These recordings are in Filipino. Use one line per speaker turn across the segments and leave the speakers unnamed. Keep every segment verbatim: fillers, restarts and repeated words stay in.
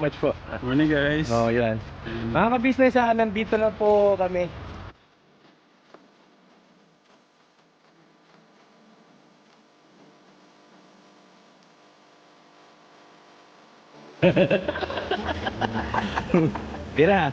much po.
Morning guys.
Oh, yan. Mga ka-business, ah, nandito na po kami. Tira.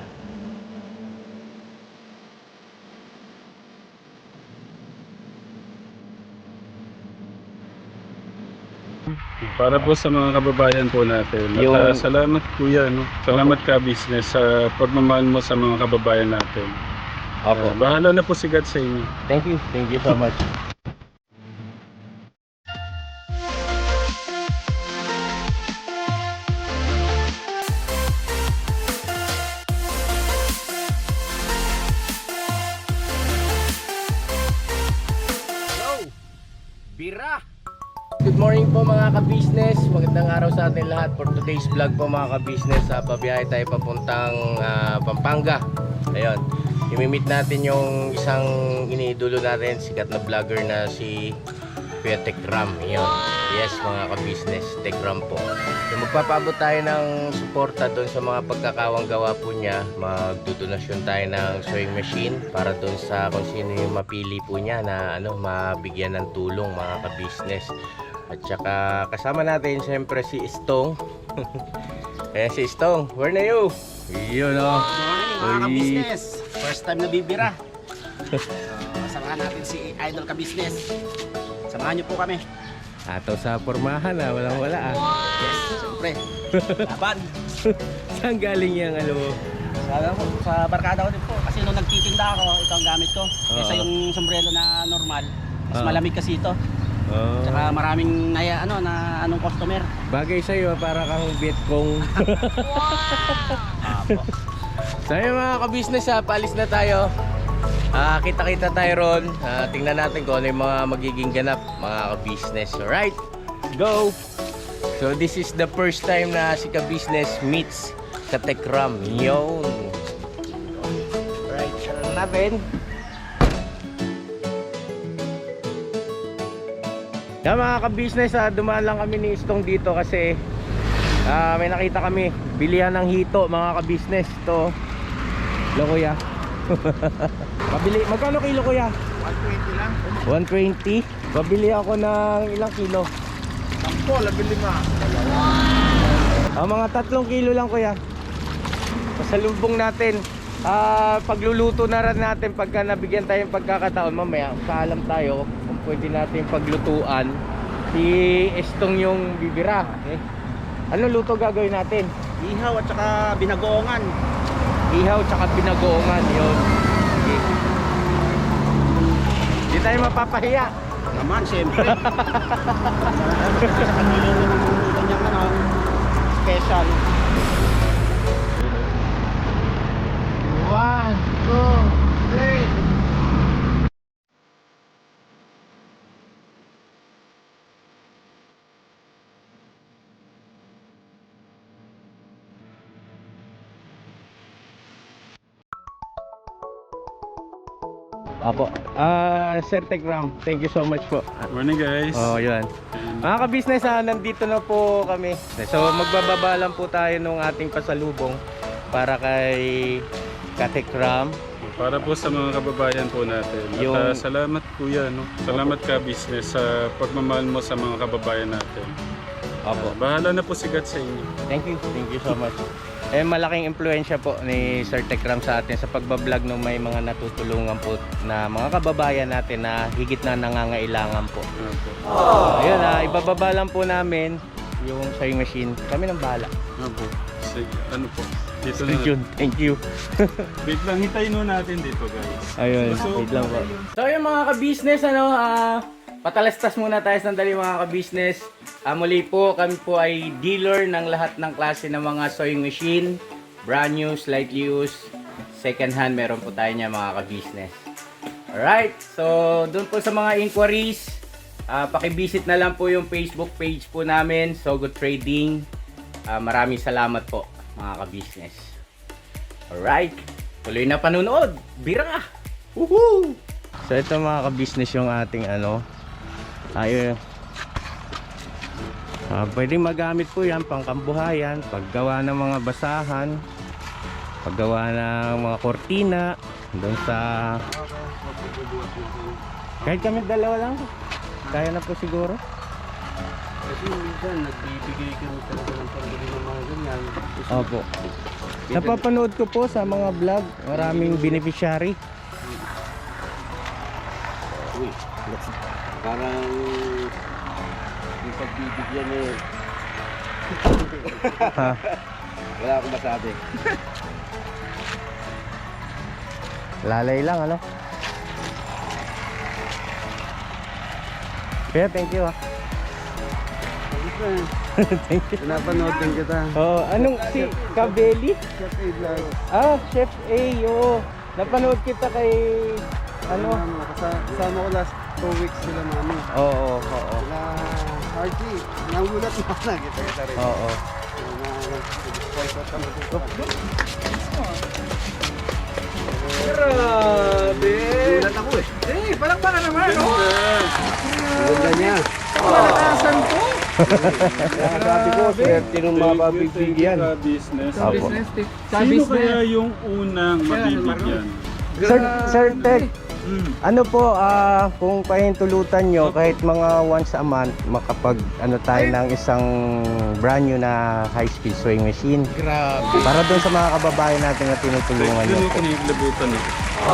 Para po sa mga kababayan po natin. At,
Yung-
ah, salamat kuya, no? Salamat ka business sa pagmamahal mo sa mga kababayan natin.
Opo.
Ah, bahala na po si God sa inyo.
Thank you. Thank you so much. Hello! Bira! Good morning po mga ka-business. Magandang araw sa atin lahat. For today's vlog po mga ka-business, uh, pabiyahe tayo papuntang uh, Pampanga. Ayun, imimit natin yung isang iniidolo natin, sikat na vlogger na si Kuya Tekram. Ayun, yes mga ka-business, Tekram po. So magpapaabot tayo ng suporta doon sa mga pagkakawang gawa po niya. Magdodonasyon tayo ng sewing machine para doon sa kung sino yung mapili po niya na ano, mabigyan ng tulong mga ka-business. At saka kasama natin siyempre si Istong. Eh si Istong, where na you? Yun o.
Mga ka-business, first time na bibira. So, samahan natin si Idol ka-business. Samahan niyo po kami.
Ato sa pormahan ah, walang wala ah.
Yes, siyempre. Laban.
Saan galing yung ano mo?
Sa, sa barkada ko din po. Kasi nung nagtitinda ako, ito ang gamit ko. Kaysa
Oo.
yung sombrero na normal. Mas
Oo.
malamig kasi ito.
Oh.
Tsaka maraming naya, ano, na anong customer.
Bagay sa'yo para kang Vietcong.
Apo.
So yun mga ka-business ha, paalis na tayo. Ah, kita-kita tayo ron. Ah, tingnan natin kung ano yung mga magiging ganap mga ka-business. Alright, go! So this is the first time na si ka-business meets sa Tekram. Yun. Alright, sara na natin. Yan mga ka-business, ah, dumaan lang kami ni Istong dito kasi ah, may nakita kami bilihan ng hito mga ka-business. Ito lo kuya. Pabili, magkano kilo kuya?
one twenty lang.
one twenty. Pabili ako ng ilang kilo?
Sampo, labi lima.
Ah, mga tatlong kilo lang kuya. Pasalubong natin. Ah, pagluluto na rin natin pagka nabigyan tayong pagkakataon mamaya. Kaalam tayo kung pwede natin paglutuan. Si Estong yung bibira. Eh. Ano luto gagawin natin?
Ihaw at saka binagoongan.
Ihaw tsaka binagoongan yun. Okay. Hindi tayo mapapahiya.
Naman, siyempre. Sa kanilong ganyang ano, special.
One, two, three. Apo. Ah, Sir Tekram, thank you so much po.
Morning guys.
Oh, yun. Mga ka-business, ah, nandito na po kami. So, magbababa lang po tayo ng ating pasalubong para kay Katekram.
Para po sa mga kababayan po natin. At,
Yung-
ah, salamat kuya, no? Salamat ka business sa pagmamahal mo sa mga kababayan natin.
Apo.
Ah, bahala na po si God sa inyo.
Thank you. Thank you so much. Eh, malaking impluensya po ni Sir Tekram sa atin sa pagbablog ng may mga natutulungan po na mga kababayan natin na higit na nangangailangan po.
Opo.
Ayun, ah, ibababa lang po namin yung sewing machine. Kami nang bahala.
Opo. Sige, ano po? Dito
Stay
na.
tuned. Thank you.
Wait lang, hintayin mo natin dito guys.
Ayun,
So,
wait lang po. So yung mga ka-business, ano, ah, patalastas muna tayo sandali mga ka-business. Ah, muli po, kami po ay dealer ng lahat ng klase ng mga sewing machine. Brand new, slightly used, second hand, meron po tayo niya mga ka-business. Alright, so doon po sa mga inquiries, ah, pakivisit na lang po yung Facebook page po namin, So Good Trading. Ah, maraming salamat po mga ka-business. Alright, tuloy na panunood. Bira! Woohoo! So ito mga ka-business yung ating ano. Ayun. Ah, pwede magamit po yan pang kambuhayan, paggawa ng mga basahan, paggawa ng mga kortina doon sa kahit kami dalawa lang kaya na po siguro.
Kasi minsan, nagbibigay kami talaga ng pambili ng mga ganyan.
Opo. Napapanood ko po sa mga vlog, maraming beneficiary.
Uy, parang yung pagbibigyan eh.
Ha?
Wala akong masabi.
Lalay lang ano. Kaya thank you ah. Thank you.
Pinapanood din kita.
Oh, anong si Kabeli?
Chef A Vlog.
Ah, Chef A, oo. Napanood kita kay ano?
Ano, kasa- kasama ko last two weeks sila mami.
Oo, oo, oo.
Sila Archie, nagulat na ako na kita kita rin.
Oo.
Sponsor kami dito.
Grabe.
Nagulat ako eh.
Eh, palakpakan naman, no?
Ganda niya.
Palakasan ko.
Kaya sabi ko, swerte nung mapabibigyan.
Ka business.
Sa
Apo.
business, tip. Sa
Sino
business.
kaya yung unang mabibigyan?
Sir, Sir Ted,
Hmm.
ano po, ah, kung pahintulutan nyo, kahit mga once a month, makapag, ano tayo ng isang brand new na high-speed sewing machine.
Grabe.
Para doon sa mga kababayan natin na tinutulungan nyo
Ganun
po.
ko nilabutan eh.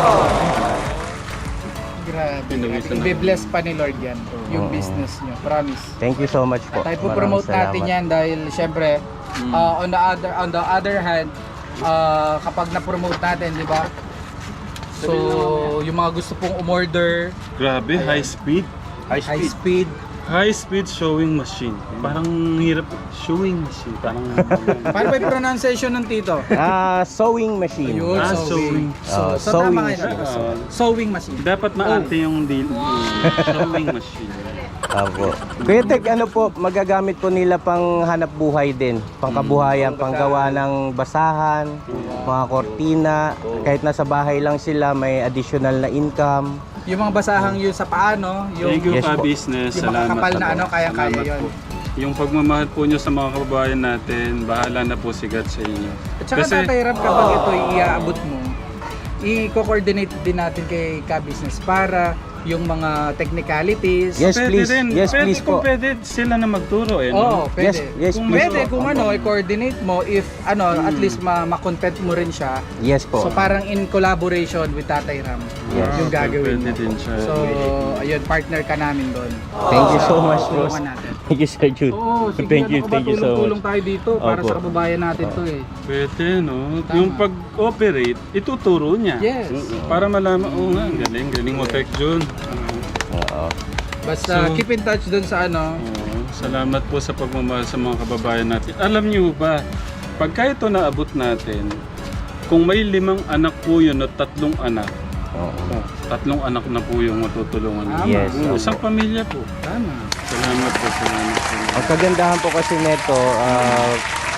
Grabe.
Pinawisan na.
Ibe-bless pa ni Lord yan, yung
Oo.
business nyo. Promise.
Thank you so much po.
Tayo po
Maraming
promote natin
salamat.
yan dahil syempre
Mm.
uh, on the other on the other hand uh, kapag na-promote natin, di ba? So, yung mga gusto pong umorder,
Grabe, high speed.
High
high
speed.
speed.
High speed showing machine. Parang hirap. Showing machine. Parang...
Paano ba yung pronunciation ng tito?
Ah, sewing machine.
Ayun,
Ah,
sewing.
sewing.
So,
Ah,
so
sewing
tama kayo.
machine.
So, sewing machine.
Dapat maarte yung deal. Showing machine.
Apo. Kuya Tek, ano po, magagamit po nila pang hanap buhay din. Pangkabuhayan, panggawa ng basahan, mga kortina. Kahit nasa bahay lang sila, may additional na income.
Yung mga basahang yun sa paano, yung
Thank you
Yes
ka
po.
business.
yung
Salamat.
makakapal na
po.
ano, kaya-kaya
Salamat
yun.
po. Yung pagmamahal po nyo sa mga kababayan natin, bahala na po sigat sa inyo.
At saka Tatay Ram, kapag ito iaabot mo, i-coordinate din natin kay Ka-Business para yung mga technicalities.
Yes,
Pwede
please.
rin.
Yes,
pwede,
please
kung
po.
pwede sila na magturo eh.
Oo,
No?
pwede.
Yes, yes,
Kung
please
Pwede
po.
kung ano, i-coordinate mo if ano, at
Hmm.
least ma- ma-content mo rin siya.
Yes po.
So parang in collaboration with Tatay Ram
Yes.
yung gagawin
Pwede
mo.
din siya.
So, ayun, partner ka namin doon.
Thank you so much, boss.
Tulungan natin.
Thank you, Sir Jude.
Oo, sige,
Thank you,
ano ka ba,
thank you so
tulong-tulong
much.
tayo dito para
Opo.
sa kababayan natin to eh.
Pwede, no?
Tama.
Yung pag-operate, ituturo niya.
Yes.
Para malaman, oo nga, ang galing, galing mo, Tech Jun.
Oo.
Basta
So-
keep in touch doon sa ano.
Oo, salamat po sa pagmamahal sa mga kababayan natin. Alam niyo ba, pagka ito naabot natin, kung may limang anak po yun o tatlong anak,
Oo.
oh, tatlong anak na po yung matutulungan.
Tama.
Yes.
Oo, isang pamilya po.
Tama.
Salamat po, salamat po.
Ang kagandahan po kasi nito, ah,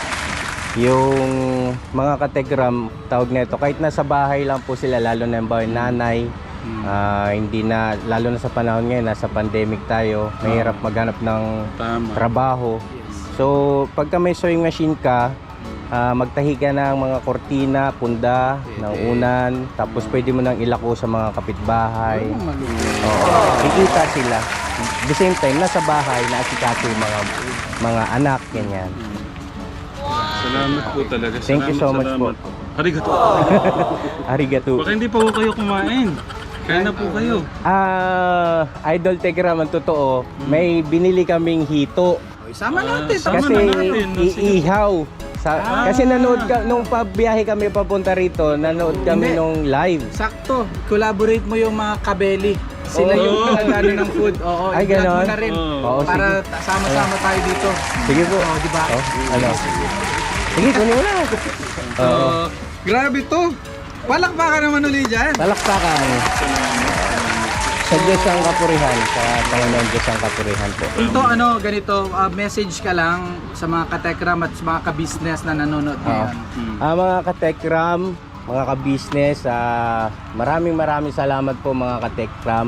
yung mga kategram, tawag nito, kahit nasa bahay lang po sila, lalo na yung bahay nanay,
Hmm.
ah, hindi na, lalo na sa panahon ngayon, nasa pandemic tayo, mahirap maghanap ng
Tama.
trabaho.
Yes.
So, pagka may sewing machine ka, ah, magtahi ka ng mga kortina, punda, ng unan, tapos pwede mo nang ilako sa mga kapitbahay.
Ayun, malupit.
Oo. Kikita sila. The same time, nasa bahay, naasikaso yung mga, mga anak, ganyan.
Salamat po talaga.
Thank you so
Salamat,
much po.
salamat Arigato.
Arigato.
Baka hindi pa po kayo kumain. Kaya na po kayo.
Ah, Idol Tegram, ang totoo, may binili kaming hito.
Okay, sama
Ah,
natin.
sama
Kasi
na natin.
iihaw. Sa,
Ah.
Kasi nanood ka, nung pabiyahe kami papunta rito, nanood kami
Hindi.
nung live.
Sakto. Collaborate mo yung mga kabeli. Sila
Oo.
yung nagano ng food. Oo,
Ay,
i-vlog mo
ganon?
na rin.
Oo.
Oo,
Para ta- sama-sama tayo dito.
Sige po.
Oo, di ba?
Oh, ano? Sige, kunin mo na.
So,
Oo.
grabe to. Palakpakan naman ulit dyan.
Palakpakan. Sa Diyos ang kapurihan, sa Panginoon Diyos ang kapurihan po.
Ito ano, ganito, ah, message ka lang sa mga katekram at sa mga ka-business na nanonood ngayon.
Hmm.
Ah, mga katekram, mga ka-business, ah, maraming maraming salamat po mga katekram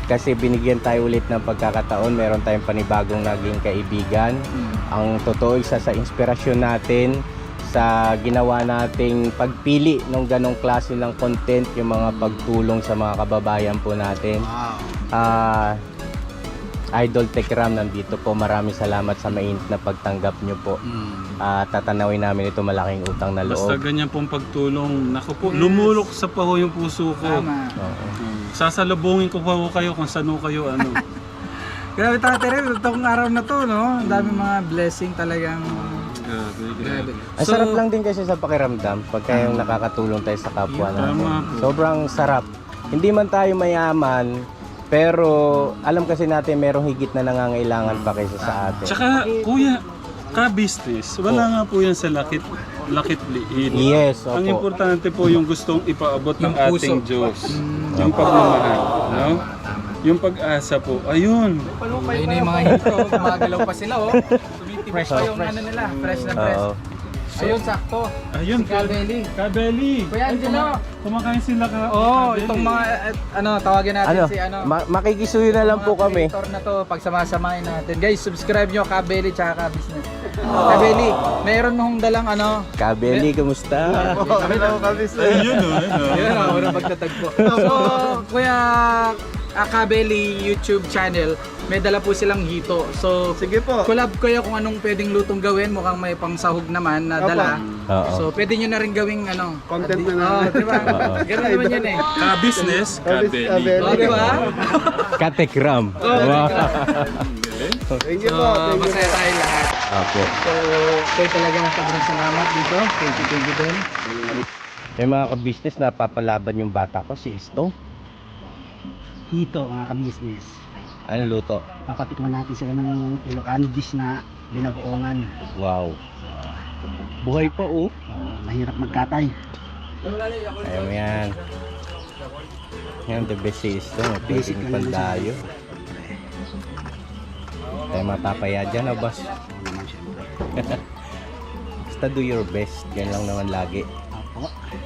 kasi binigyan tayo ulit ng pagkakataon. Meron tayong panibagong naging kaibigan. Ang totoo, isa sa inspirasyon natin sa ginawa nating pagpili ng ganong klase ng content, yung mga pagtulong sa mga kababayan po natin.
Wow.
Ah, Idol Tekram nandito po. Maraming salamat sa mainit na pagtanggap nyo po. Ah, tatanawin namin ito, malaking utang na
Basta
loob.
ganyan pong pagtulong. Naku po, lumulok sa paho yung puso ko.
Tama.
Oo.
Hmm. Sasalubungin ko pa ho kayo kung saan ho kayo ano.
Grabe Tate Ren, itong araw na to, no? Ang dami mga blessing talagang...
Grabe,
Grabe.
grabe.
Ang sarap lang din kasi sa pakiramdam pagka yung nakakatulong tayo sa kapwa natin.
Tama po.
Sobrang sarap. Hindi man tayo mayaman, pero alam kasi natin merong higit na nangangailangan pa kaysa sa atin.
Tsaka, kuya, ka-business, wala nga po yan sa lakit, lakit liin.
Yes,
Ang
opo.
importante po yung gustong ipaabot ng
Yung puso.
ating Diyos. Yung pagmamahal, no? Yung pag-asa po, ayun.
Ayun na yung mga hito, gumagalaw pa sila, oh. Tumitibay pa yung ano nila, fresh na fresh.
Oo.
Ayun, sakto.
Ayun,
Si Kabeli.
Kabeli.
Kuya
Ay,
Angelo.
kuma- Kumakain sila ka.
Oo, oh,
Kabeli.
itong mga, eh, ano, tawagin natin
Ano,
si ano.
ma- makikisuyo na lang
mga
po kami.
creator na to, pagsama-samahin natin. Guys, subscribe nyo, Kabeli tsaka Ka-Business. Kabeli, mayroon nung dalang ano.
Kabeli, kamusta?
Hello, kabisnes.
Ayun, oh, ayun, oh.
Ayun, ako na pagtatagpo. So, Kuya uh, Kabeli YouTube channel, may dala po silang hito. So,
Sige po.
collab kayo kung anong pwedeng lutong gawin. Mukhang may pangsahog naman na dala.
Oo.
So, pwede nyo na rin gawing ano.
Content na
Oo,
namin.
di ba?
Oo.
Ganun naman yan eh.
Ka-business, Kabeli.
Kabeli.
Oo, di ba?
Katekram.
Oo,
Wow.
Thank you
So,
po. Thank you
masaya
po.
tayo lahat.
Opo.
So, kayo talaga sobrang salamat dito. Thank you, thank you din.
May mga ka-business na papalaban yung bata ko, si Esto.
Hito mga ka-business.
Ano luto?
Papatikman natin sila ng Ilocano dish na binagoongan.
Wow. Buhay pa oh.
Uh, mahirap magkatay.
Ayaw mo yan. Yan, the best si Esto.
Basic
Pwedeng
lang naman
pandayo. Tayo mapapaya dyan, ah, boss.
Oo naman syempre.
Basta do your best. Yan lang naman lagi.
Apo.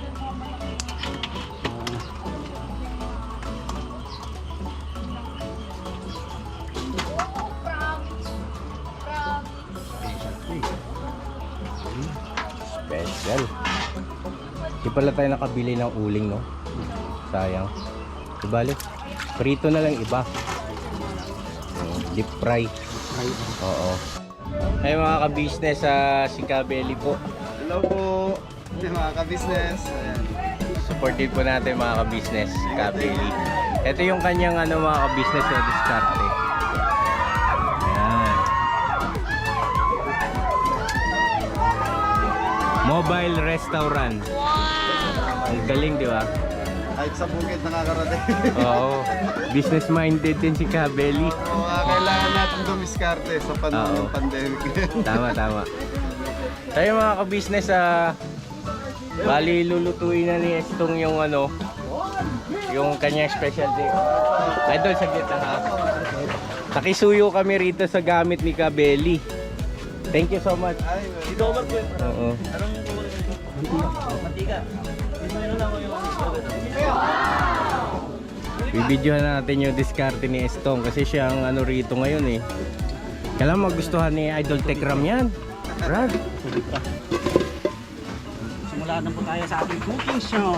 Special. Di pala tayo nakabili ng uling, no? Sayang. Di bali, prito na lang iba. Mm, Deep fry. Oo. Ay mga ka-business, ah, si Kabeli po.
Hello po. Mga kabisnes. Ayan.
Supported po natin mga ka-business, Kabeli. Ito yung kanyang ano mga ka-business na diskarte. Ayan. Mobile restaurant. Ang galing, di ba?
Kahit sa bukid nakakarating.
Oo. Business minded din si Kabeli.
Oo, ah, kailangan natin dumiskarte sa panahon
Oo.
ng pandemic.
Tama, tama. Tayo mga ka-business, ah, bali lulutuin na ni Estong yung ano, yung kanyang specialty. Idol, saglit lang ha. Nakisuyo kami rito sa gamit ni Kabeli. Thank you so much. Oo. Bibidyohan natin yung diskarte ni Estong kasi siya ang ano rito ngayon eh. Kailangan magustuhan ni Idol Tekram yan. Brad.
Simula na po tayo sa ating cooking show.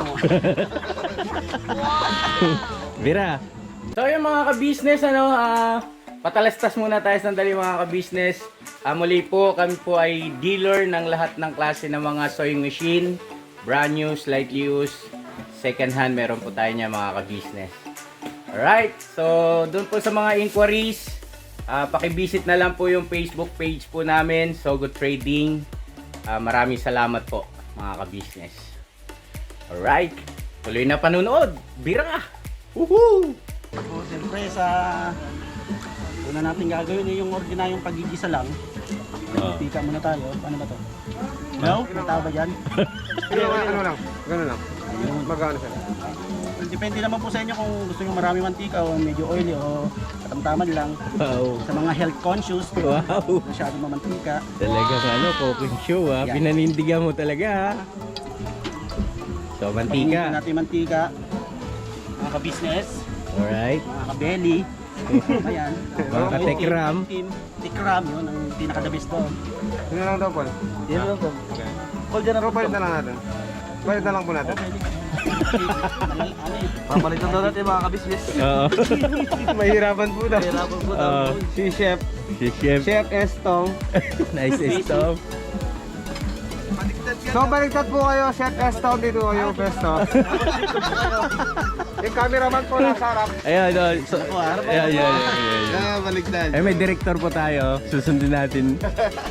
Bira. So yung mga ka-business, ano, ah, patalastas muna tayo sandali mga ka-business. Ah, muli po, kami po ay dealer ng lahat ng klase ng mga sewing machine. Brand new, slightly used, second hand, meron po tayo niya mga ka-business. Alright, so doon po sa mga inquiries, ah, pakivisit na lang po yung Facebook page po namin, So Good Trading. Ah, maraming salamat po mga ka-business. Alright, tuloy na panunood. Bira! Woohoo!
So, siyempre sa una natin gagawin ay yung ordinaryong pagigisa lang.
Oo.
Pika muna tayo. Paano ba to? No? May tao ba dyan?
Ano lang? Gano'n lang. Magkano siya?
Depende naman po sa inyo kung gusto nyo marami mantika o medyo oily o katamtaman lang.
Wow!
Sa mga health conscious,
Wow!
masyadong mamantika.
Talagang ano, cooking show ha.
Yeah.
Pinanindigan mo talaga ha. So,
Pagigisa
mantika.
natin mantika. Mga ka-business.
Alright.
mga kabeli. Ayan.
Mga katekram.
Team, Tikram, yun ang pinaka-the best doon.
Yun na lang daw, Paul.
Yan lang po.
Call dyan na
Pero palit na lang natin. Palit na lang po natin.
Ano eh.
Papalitan daw natin mga kabisnes.
Oo.
Mahirapan po daw.
Kailangan po
Oo.
Si Chef.
Si Chef.
Chef Estong.
Nice stop.
So baliktad po kayo, Chef Estong. Dito kayo, Pesto. Yung cameraman po nasa harap.
Ayan, oh, so, ayan, ayan, ayan, ayan.
Ah, baliktad.
Eh, may director po tayo. Susundin natin.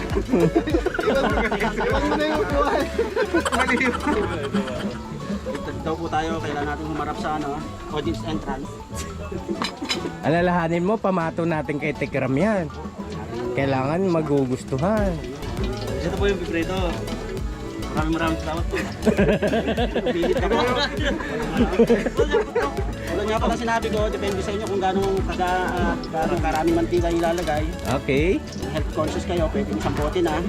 Iwan mo na yung upuan. Mali yun.
Dito daw po tayo, kailangan natin humarap sa ano, audience entrance.
Alalahanin mo, pamato natin kay Tekram yan. Kailangan magugustuhan.
Ito po yung pipreto. Maraming maraming salamat po.
Pilit ako. Wala nga pala sinabi ko, depende sa inyo kung gano'ng kaga, uh, karang karaming mantika ilalagay.
Okay.
Kung health conscious kayo, pwede nyo sampotin ha.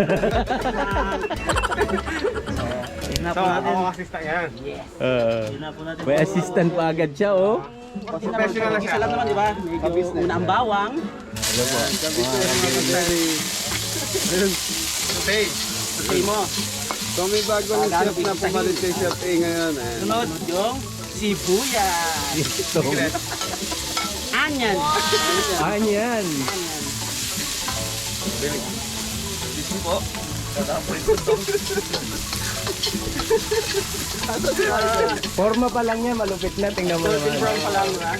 So, ako assistant yan.
Yes.
Uh,
Yun na po natin.
may assistant pa agad siya, oh.
Professional na siya.
Isa lang naman, di ba? Medyo una ang bawang.
Okay.
Say mo.
So may bago
ng chef na pumalit
kay Chef A ngayon. Eh.
Sunod yung sibuyas.
Ito.
Anyan.
Anyan. Forma pa lang niya, malupit na. Tingnan mo
Golden
naman.
brown pa lang. Ha?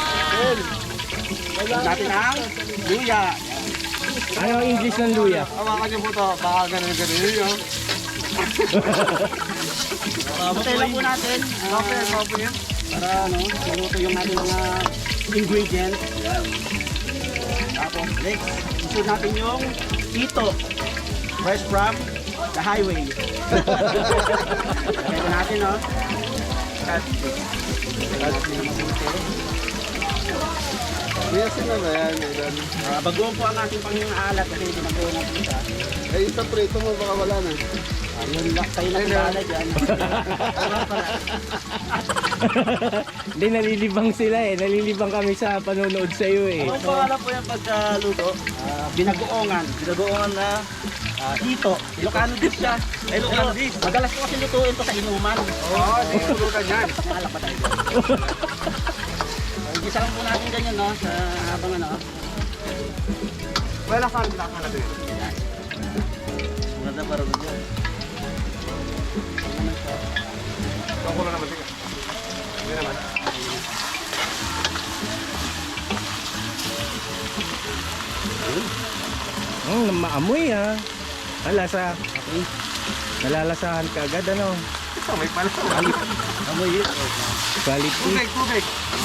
Lagyan natin ang luya.
Ano ang English ng luya?
Hawakan niyo po to. Baka ganun-ganun yun.
Butay lang po natin. ah,
Okay, okay yan.
para ano, maluto yung natin mga ingredients. Yan. Tapos next, isunod natin yung ito. Fresh from the highway. Lagyan natin, no?
May asin na ba yan? Aidan?
Uh, bagoong po ang ating pang-alat kasi ginagawa natin ito.
Eh, yung sa prito mo baka wala na.
Ayun lang, kayo na pag-alat yan.
Hindi, nalilibang sila eh. Nalilibang kami sa panonood sa iyo eh.
Anong pangalan po yung pagkaluto?
Ah, binagoongan.
Binagoongan na
Ah, ito. Ilocano dish siya.
Ay, Ilocano dish.
Madalas ko kasi lutuin to sa inuman.
Oo, di tulugan yan.
Naalala pa tayo. Uh, Igisa lang po natin ganyan, no? Sa habang ano.
Wala ka, wala ka na din.
Maganda para doon yan.
Ako na naman, sige. Hindi naman.
Hmm, maamoy ah. Ang lasa. Nalalasahan ka agad ano.
Ito, may pala.
Amoy yun.
Quality.
Tubig, tubig.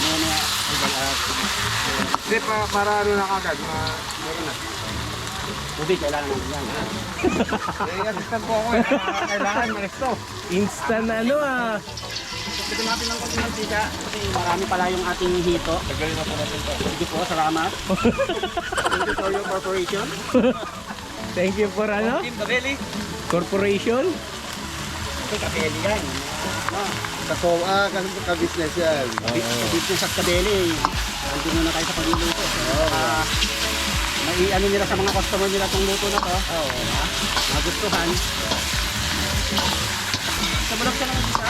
Hindi, pa, para ano na kagad. Ma, meron na.
Tubig, kailangan natin yan.
Eh, assistant po ako eh. Kailangan, manesto.
Instant ano ah.
Pwede natin ng konti mantika kasi marami pala yung ating hito. Tagalin na po natin ito. Thank you po, salamat. Thank you for your corporation.
Thank you for ano?
Team Kabeli.
Corporation?
Ito, kabeli yan. Ah,
Kaso, ah, kasi ka-business yan.
business at kabeli. Nandun muna tayo sa pagluluto. Ah, may ano nila sa mga customer nila itong luto na to. Oo. Magustuhan. Sa balak siya ng isa.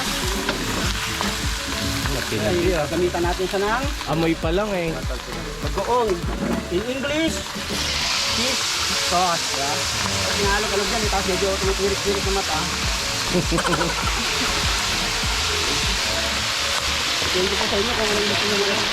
Ay, gamitan natin siya ng
Amoy pa lang eh.
bagoong. In English, fish sauce. Ya. Nalog-alog yan, tapos medyo tumuturik-turik ng mata. Thank you po sa inyo kung anong gusto nyo lang.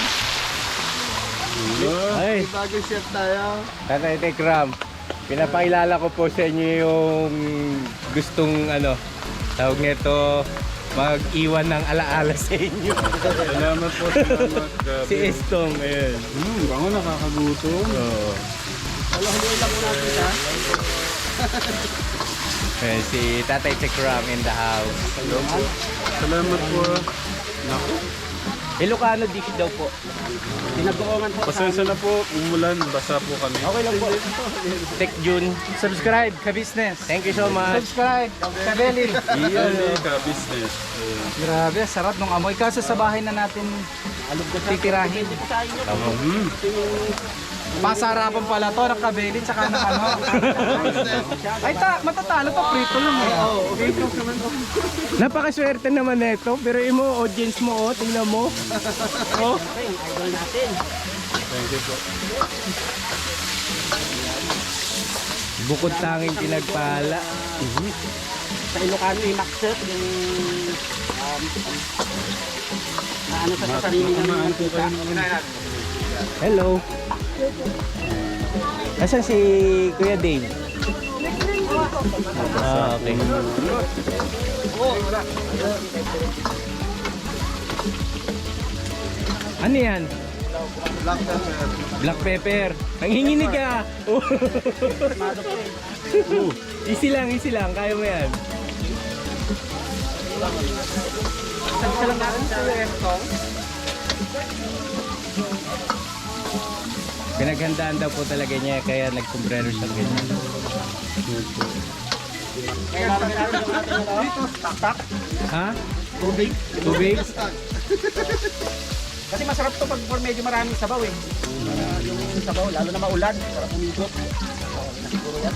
Ay,
May bagong chef tayo.
Tatay Tekram, pinapakilala ko po sa inyo yung gustong ano, tawag nito, mag-iwan ng alaala sa inyo.
Salamat po, salamat. Grabe.
Si Estong, ayun.
Hmm, bango nakakagutom.
Oo.
Halo-haloy lang po natin siya.
Ayun, si Tatay Tekram in the house.
Salamat po. Naku,
Ilocano dish daw po.
Pinagoongan po sa
Pasensya na po, umulan, basa po kami.
Okay lang po. Tek June.
Subscribe ka-business.
Thank you so much.
Subscribe ka-belly.
Iyan eh, ka-business. Ayan.
Grabe, sarap nung amoy. Kaso sa bahay na natin
alog ko sa
titirahin.
Depende po sa inyo.
Tama.
Mm.
Masarapan pala to ng kabeli tsaka ng ano. Ay ta, matatalo to, prito lang eh. Oo, okay.
Napakaswerte naman nito, pero imo audience mo oh, tingnan mo. Oh,
Okay, idol natin.
Thank you po.
bukod tanging pinagpala.
Sa Ilocano yung Maxet, yung um, na ano sa sarili ng
Kumaan po kayo.
Hello. Asan si Kuya Dave? Ah, okay. Ano yan? Black pepper. Black pepper. Nanginginig ka. Oh. Easy lang, easy lang. Kaya mo yan. Pinaghandaan daw po talaga niya kaya nagkumbrero siya ganyan.
Kaya lalagyan natin yung ating ano, tak-tak,
Ha?
tubig.
Tubig?
Kasi masarap to pag medyo maraming sabaw eh. Uh, yung sabaw, lalo na maulan, sarap umikot. Siguro yan.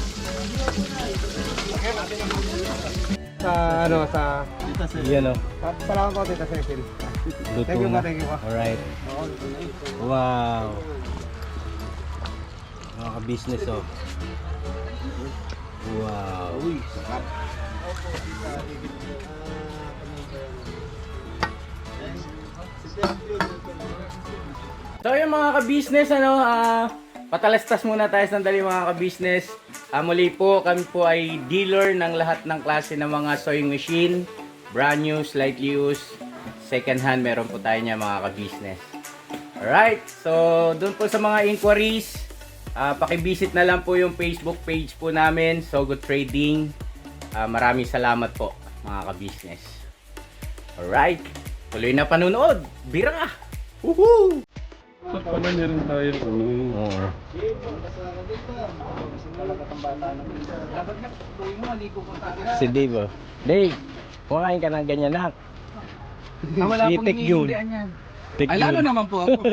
Sa ano, sa...
Yan o.
sa- Salamat po, Tita Cecil.
Luto
Thank you
na.
po, thank you po.
Alright. Wow. Mga ka-business oh. Wow.
Uy, sarap. So yung mga ka-business, ano, ah, patalastas muna tayo sandali mga ka-business. Ah, muli po, kami po ay dealer ng lahat ng klase ng mga sewing machine, brand new, slightly used, second hand, meron po tayo niya mga ka-business. Alright, so doon po sa mga inquiries, ah, pakivisit na lang po yung Facebook page po namin, So Good Trading. Ah, maraming salamat po mga ka-business. Alright, tuloy na panunood. Bira! Woohoo!
So, pala niya rin tayo. Ano?
Oo. Si Dave oh. Dave, kumain ka ng ganyan na.
Ah, wala
Si
pong
Tek Yun.
hinihindihan yan.
Tek
Ay, lalo
Yun.
naman po ako.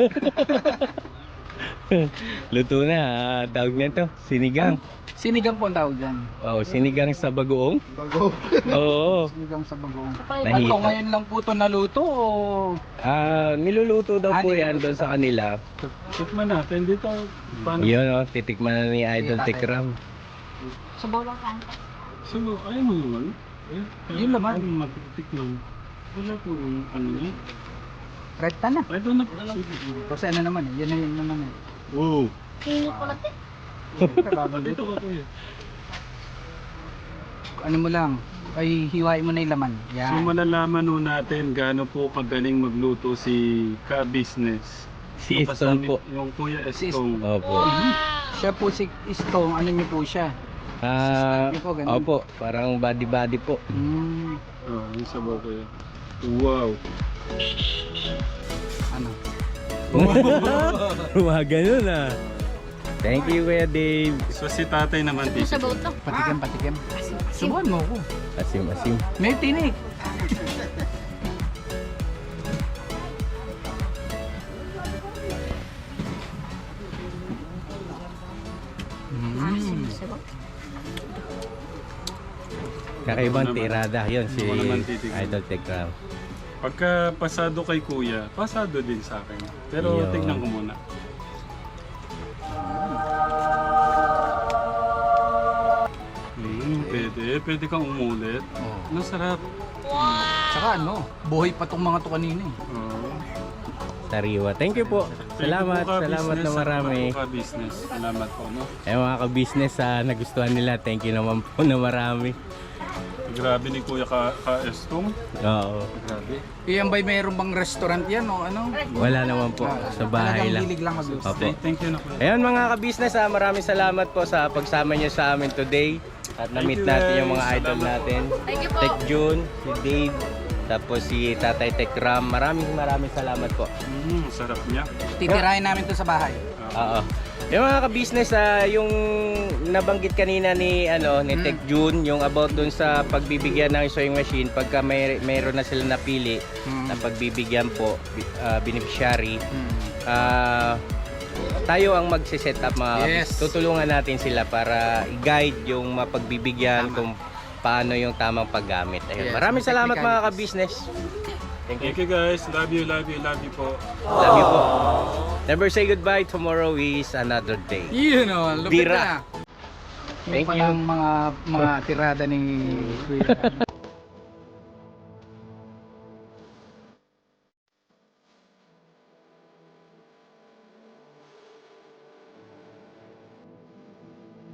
Luto na, ah, tawag na to, sinigang.
Sinigang po ang tawag dyan.
Oh, sinigang sa bagoong.
Bago.
Oo.
Sinigang sa bagong.
Nahita.
Ano, ngayon lang po ito naluto o...
Ah, niluluto daw po
Ah,
yan doon sa kanila.
Tikman natin dito. Paano?
Yun oh, titikman na ni Idol Tekram.
So, ayaw mo naman. Eh,
Yun laman.
Ayaw mo matitikman. Wala po yung ano niya.
Rekta na.
Ay, doon na po. Sige.
Kasi ano naman eh, yan na yun naman eh.
Wow. Dito ka kuya.
Ano mo lang, ay hiwain mo na yung laman.
So
Yan.
malalaman nun natin gaano po kagaling magluto si ka-business.
Si Eston po.
Yung Kuya
Si
Estong.
Opo.
Siya po si Istong, ano niyo po siya?
Ah,
Yun po, ganun.
opo, parang body-body po.
Hmm,
Oh, yung sabaw kuya. Wow.
ano?
Mga ganun ah. Thank you Kuya Dave.
So si tatay naman dito.
Patikim, patikim. Subuhan mo ako.
Asim-asim.
May tinik. Mm.
Kakaibang
Ako naman.
tirada yun si
Ako naman titignan.
Idol Tekram.
Pagka pasado kay kuya, pasado din sa akin. Pero
Yun.
tignan ko muna. Hmm, pwede. Pwede kang umulit.
Oh.
Masarap.
Tsaka ano, buhay pa tong mga to kanina eh.
Oh.
Sariwa. Thank you po. Salamat, salamat na marami.
Ka-business. Salamat po, no?
Eh mga ka-business, ah, nagustuhan nila. Thank you naman po na marami.
Grabe ni Kuya ka, ka Estong.
Oo.
Grabe.
Iyan ba'y mayroon bang restaurant yan o ano?
Wala naman po. Sa bahay
Talagang
lang.
hilig lang magluto.
Opo.
Thank you na Kuya.
Ayun mga ka-business, ah, maraming salamat po sa pagsama niyo sa amin today. At
Thank
na-meet
you,
natin
guys.
yung mga idol
Salamat po.
natin.
Thank you po.
Tek June, si Dave, Tapos si Tatay Tekram. Maraming maraming salamat po.
Mm, sarap niya.
Titirahin namin to sa bahay.
Oo. Yung mga ka-business, ah, yung nabanggit kanina ni ano ni
Mm.
Tech June, yung about dun sa pagbibigyan ng sewing machine pagka may mayroon na sila napili
Mm.
na pagbibigyan po bi- ah, beneficiary.
Mm.
Ah, tayo ang magse-set up mga
Yes.
tutulungan natin sila para i-guide yung mapagbibigyan
Tama.
kung paano yung tamang paggamit. Ayun.
Yes,
Maraming
mga
salamat mga
technicalities.
ka-business. Thank you.
Thank you guys. Love you, love you, love you po.
Love you po. Never say goodbye. Tomorrow is another day.
Yun o, lupit
Bira.
na.
Thank
Yung palang mga mga tirada ni Kuya.